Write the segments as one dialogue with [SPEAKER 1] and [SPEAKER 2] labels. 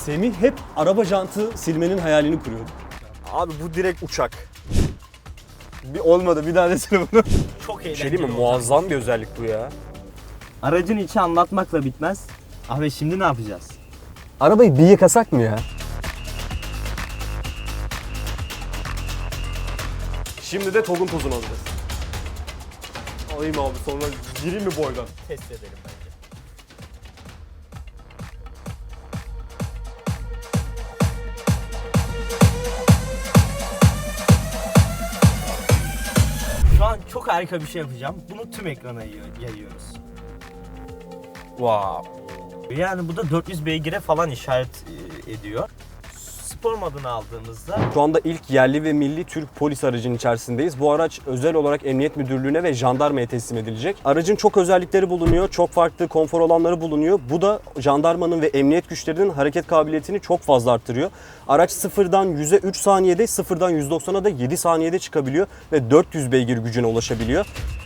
[SPEAKER 1] Semih hep araba jantı silmenin hayalini kuruyordu.
[SPEAKER 2] Abi bu direkt uçak. Bir olmadı, bir daha desene bunu.
[SPEAKER 3] Çok eğlenceli.
[SPEAKER 2] Şey değil mi? Muazzam bir özellik bu ya.
[SPEAKER 3] Aracın içi anlatmakla bitmez. Abi şimdi ne yapacağız?
[SPEAKER 2] Arabayı bir yıkasak mı ya? Şimdi de TOG'un tozunu alacağız. Alayım abi, sonra gireyim mi boydan?
[SPEAKER 3] Test edelim bence. Şu an çok harika bir şey yapacağım. Bunu tüm ekrana yayıyoruz.
[SPEAKER 2] Wow.
[SPEAKER 3] Yani bu da 400 beygire falan işaret ediyor. Spor modunu aldığımızda
[SPEAKER 2] Şu anda ilk yerli ve milli Türk polis aracının içerisindeyiz. Bu araç özel olarak Emniyet Müdürlüğü'ne ve jandarmaya teslim edilecek. Aracın çok özellikleri bulunuyor, çok farklı konfor alanları bulunuyor. Bu da jandarmanın ve emniyet güçlerinin hareket kabiliyetini çok fazla arttırıyor. Araç sıfırdan 100'e 3 saniyede, sıfırdan 190'a da 7 saniyede çıkabiliyor ve 400 beygir gücüne ulaşabiliyor.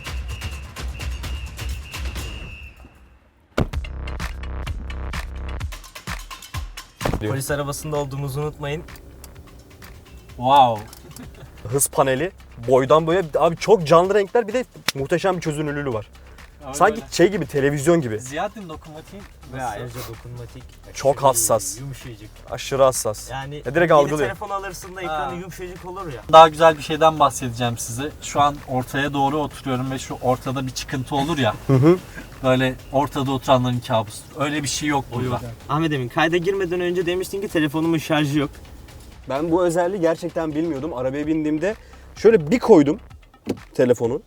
[SPEAKER 3] polis arabasında olduğumuzu unutmayın.
[SPEAKER 1] Wow.
[SPEAKER 2] Hız paneli, boydan boya abi çok canlı renkler, bir de muhteşem bir çözünürlüğü var. Sanki şey gibi, televizyon gibi.
[SPEAKER 1] Ziyadetin dokunmatiği
[SPEAKER 3] Ve ayrıca dokunmatik.
[SPEAKER 2] Çok hassas.
[SPEAKER 3] Yumuşacık.
[SPEAKER 2] Aşırı hassas.
[SPEAKER 3] Yani
[SPEAKER 2] direkt
[SPEAKER 3] yeni
[SPEAKER 2] algılıyor.
[SPEAKER 3] telefon alırsın da ekranı yumuşacık olur ya.
[SPEAKER 4] Daha güzel bir şeyden bahsedeceğim size. Şu an ortaya doğru oturuyorum ve şu ortada bir çıkıntı olur ya. Böyle ortada oturanların kabusudur. Öyle bir şey yok burada.
[SPEAKER 3] Ahmet Emin, kayda girmeden önce demiştin ki telefonumun şarjı yok.
[SPEAKER 2] Ben bu özelliği gerçekten bilmiyordum. Arabaya bindiğimde şöyle bir koydum telefonu.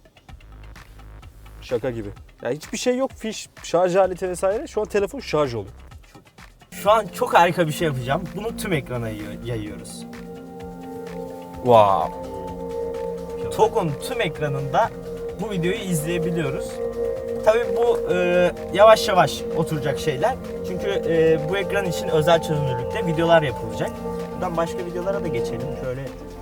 [SPEAKER 2] Şaka gibi. Ya hiçbir şey yok, fiş, şarj aleti vesaire. Şu an telefon şarj oluyor.
[SPEAKER 3] Şu an çok harika bir şey yapacağım. Bunu tüm ekrana yayıyoruz.
[SPEAKER 2] Wow.
[SPEAKER 3] TOG'un tüm ekranında bu videoyu izleyebiliyoruz. Tabii bu yavaş yavaş oturacak şeyler. Çünkü bu ekran için özel çözünürlükte videolar yapılacak. Buradan başka videolara da geçelim. Şöyle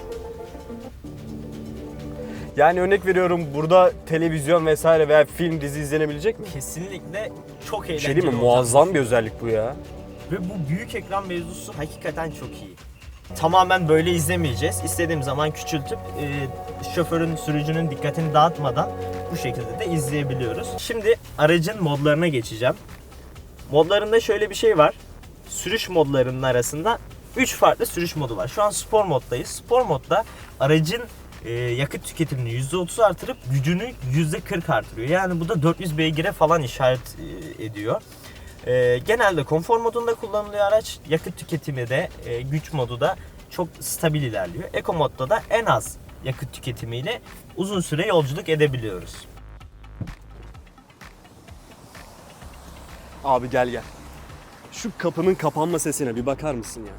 [SPEAKER 2] Yani örnek veriyorum, burada televizyon vesaire veya film, dizi izlenebilecek mi?
[SPEAKER 3] kesinlikle çok
[SPEAKER 2] Bir
[SPEAKER 3] eğlenceli
[SPEAKER 2] şey değil mi?
[SPEAKER 3] olacak.
[SPEAKER 2] Muazzam bir özellik bu ya.
[SPEAKER 3] Ve bu büyük ekran mevzusu hakikaten çok iyi. Tamamen böyle izlemeyeceğiz. İstediğim zaman küçültüp şoförün, sürücünün dikkatini dağıtmadan bu şekilde de izleyebiliyoruz. Şimdi aracın modlarına geçeceğim. Modlarında şöyle bir şey var. Sürüş modlarının arasında 3 farklı sürüş modu var. Şu an spor moddayız. Spor modda aracın yakıt tüketimini %30 artırıp gücünü %40 artırıyor. Yani bu da 400 beygire falan işaret ediyor. Genelde konfor modunda kullanılıyor araç. Yakıt tüketimi de güç modu da çok stabil ilerliyor. Eco modda da en az yakıt tüketimiyle uzun süre yolculuk edebiliyoruz.
[SPEAKER 2] Abi gel gel. Şu kapının kapanma sesine bir bakar mısın ya?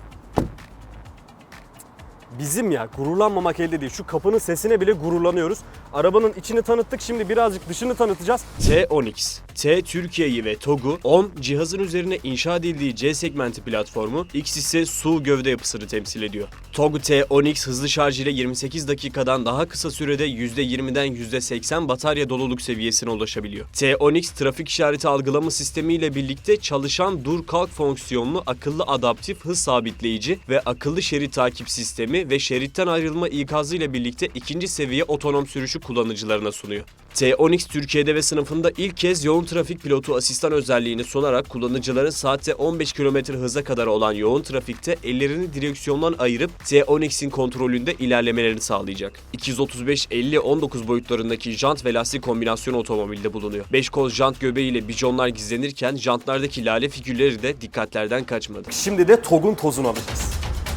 [SPEAKER 2] Bizim ya, gururlanmamak elde değil. Şu kapının sesine bile gururlanıyoruz. Arabanın içini tanıttık, şimdi birazcık dışını tanıtacağız. T10X. T Türkiye'yi ve TOG'u, 10 cihazın üzerine inşa edildiği C segmenti platformu, X ise SUV gövde yapısını temsil ediyor. TOG T10X hızlı şarj ile 28 dakikadan daha kısa sürede %20'den %80 batarya doluluk seviyesine ulaşabiliyor. T10X trafik işareti algılama sistemi ile birlikte çalışan dur kalk fonksiyonlu akıllı adaptif hız sabitleyici ve akıllı şerit takip sistemi ve şeritten ayrılma ikazı ile birlikte ikinci seviye otonom sürüşü kullanıcılarına sunuyor. T10X Türkiye'de ve sınıfında ilk kez yoğun trafik pilotu asistan özelliğini sunarak kullanıcıların saatte 15 km hıza kadar olan yoğun trafikte ellerini direksiyondan ayırıp T10X'in kontrolünde ilerlemelerini sağlayacak. 235-50-19 boyutlarındaki jant ve lastik kombinasyonu otomobilde bulunuyor. 5 kol jant göbeğiyle bijonlar gizlenirken jantlardaki lale figürleri de dikkatlerden kaçmadı. Şimdi de TOG'un tozunu alacağız.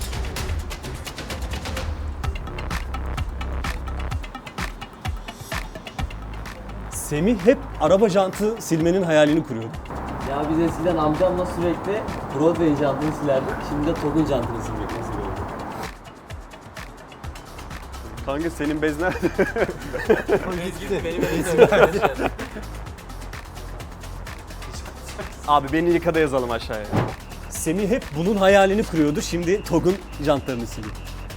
[SPEAKER 1] Semih hep araba jantı silmenin hayalini kuruyordu.
[SPEAKER 5] Ya biz eskiden amcamla sürekli Broadway'in jantını silerdik. Şimdi de TOG'un jantını silmek nasip oldu.
[SPEAKER 2] Kanka senin bez nerede? Abi beni yıkada yazalım aşağıya.
[SPEAKER 1] Semih hep bunun hayalini kuruyordu. Şimdi TOG'un jantlarını siliyor.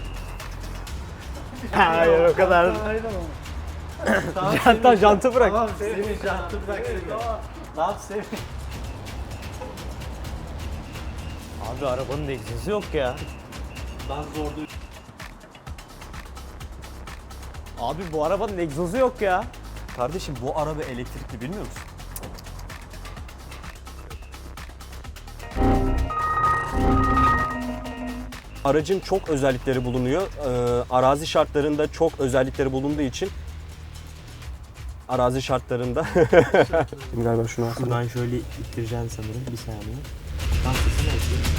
[SPEAKER 3] Hayır, o kadar.
[SPEAKER 1] Hatta jantı bırak.
[SPEAKER 5] Tamam Semih jantı bırak Semih. Ne yap Semih?
[SPEAKER 3] Abi arabanın egzozu yok ya.
[SPEAKER 4] Ben zor değil.
[SPEAKER 3] Abi bu arabanın egzozu yok ya.
[SPEAKER 1] Kardeşim bu araba elektrikli bilmiyor musun?
[SPEAKER 2] Aracın çok özellikleri bulunuyor. Arazi şartlarında çok özellikleri bulunduğu için arazi şartlarında Şimdi galiba şunu alsana.
[SPEAKER 3] Buradan şöyle ittireceğim sanırım. Bir saniye. Ben sesini açayım.